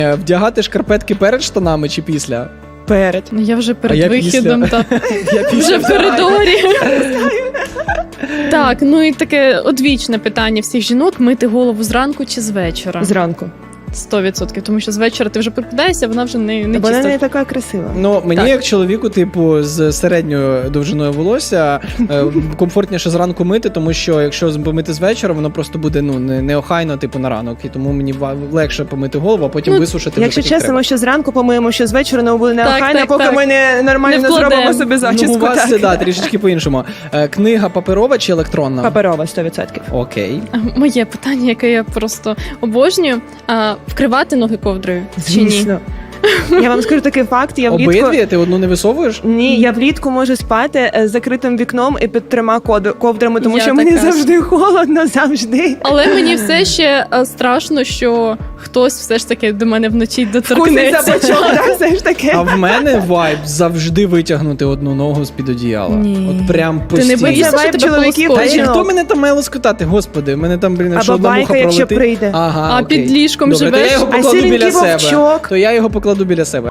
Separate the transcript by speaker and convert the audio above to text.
Speaker 1: Вдягати шкарпетки перед штанами чи після?
Speaker 2: Перед.
Speaker 3: Ну я вже
Speaker 1: А
Speaker 3: перед
Speaker 1: я
Speaker 3: вихідом,
Speaker 1: після.
Speaker 3: так.
Speaker 1: Я
Speaker 3: Вже в коридорі. Так, ну і таке одвічне питання всіх жінок: мити голову зранку чи з вечора?
Speaker 2: Зранку.
Speaker 3: 100%, тому що з вечора ти вже прокидаєшся, вона вже не
Speaker 2: Бо вона
Speaker 3: чиста.
Speaker 2: не така красива.
Speaker 1: Ну, мені
Speaker 3: Так.
Speaker 1: як чоловіку, типу, з середньою довжиною волосся, комфортніше зранку мити, тому що якщо помити з вечора, воно просто буде неохайно, типу, на ранок. І тому мені легше помити голову, а потім
Speaker 3: Ну,
Speaker 1: висушити вже
Speaker 2: Якщо
Speaker 1: так, як
Speaker 2: чесно,
Speaker 1: треба.
Speaker 2: ми що зранку помиємо, що з вечора не буде неохайно,
Speaker 3: так,
Speaker 2: поки
Speaker 3: так.
Speaker 2: ми не нормально
Speaker 3: Не вкладемо.
Speaker 2: зробимо собі
Speaker 1: Ну,
Speaker 2: зачіску.
Speaker 1: у вас
Speaker 2: так.
Speaker 1: це, да, трішечки по-іншому. Книга паперова чи електронна?
Speaker 2: Паперова, 100%.
Speaker 1: Окей.
Speaker 3: Моє питання, яке я просто обожнюю: вкривати ноги ковдрою чи ні?
Speaker 2: Звісно. Я вам скажу такий факт, я влітку...
Speaker 1: Обидві? Ти одну не висовуєш?
Speaker 2: Ні, я влітку можу спати з закритим вікном і під 3 ковдрами, тому
Speaker 3: Я
Speaker 2: що мені
Speaker 3: така ж.
Speaker 2: завжди холодно, завжди.
Speaker 3: Але мені все ще страшно, що хтось все ж таки до мене вночі
Speaker 2: Вкусить
Speaker 3: доторкнеться.
Speaker 2: за бочок, да, все ж таки.
Speaker 1: А в мене вайб завжди витягнути одну ногу з-під одіяла.
Speaker 3: Ні.
Speaker 1: От прям
Speaker 3: Ти не
Speaker 1: постійно.
Speaker 3: боїшся,
Speaker 2: Це
Speaker 3: що
Speaker 2: вайб
Speaker 3: тебе
Speaker 2: чоловіків,
Speaker 1: Та
Speaker 3: полоскоче?
Speaker 1: і
Speaker 2: жінок.
Speaker 1: хто мене там має лоскотати? Господи, мене там, блін, якщо
Speaker 2: Або
Speaker 1: одна муха
Speaker 2: байка, якщо
Speaker 1: пролетить.
Speaker 2: прийде.
Speaker 1: Ага,
Speaker 3: А
Speaker 1: окей.
Speaker 3: під ліжком
Speaker 1: Добре, то я
Speaker 3: живеш?
Speaker 1: його
Speaker 2: А
Speaker 1: покладу
Speaker 2: сіренький
Speaker 1: біля себе.
Speaker 2: вовчок?
Speaker 1: То я його покладу біля себе.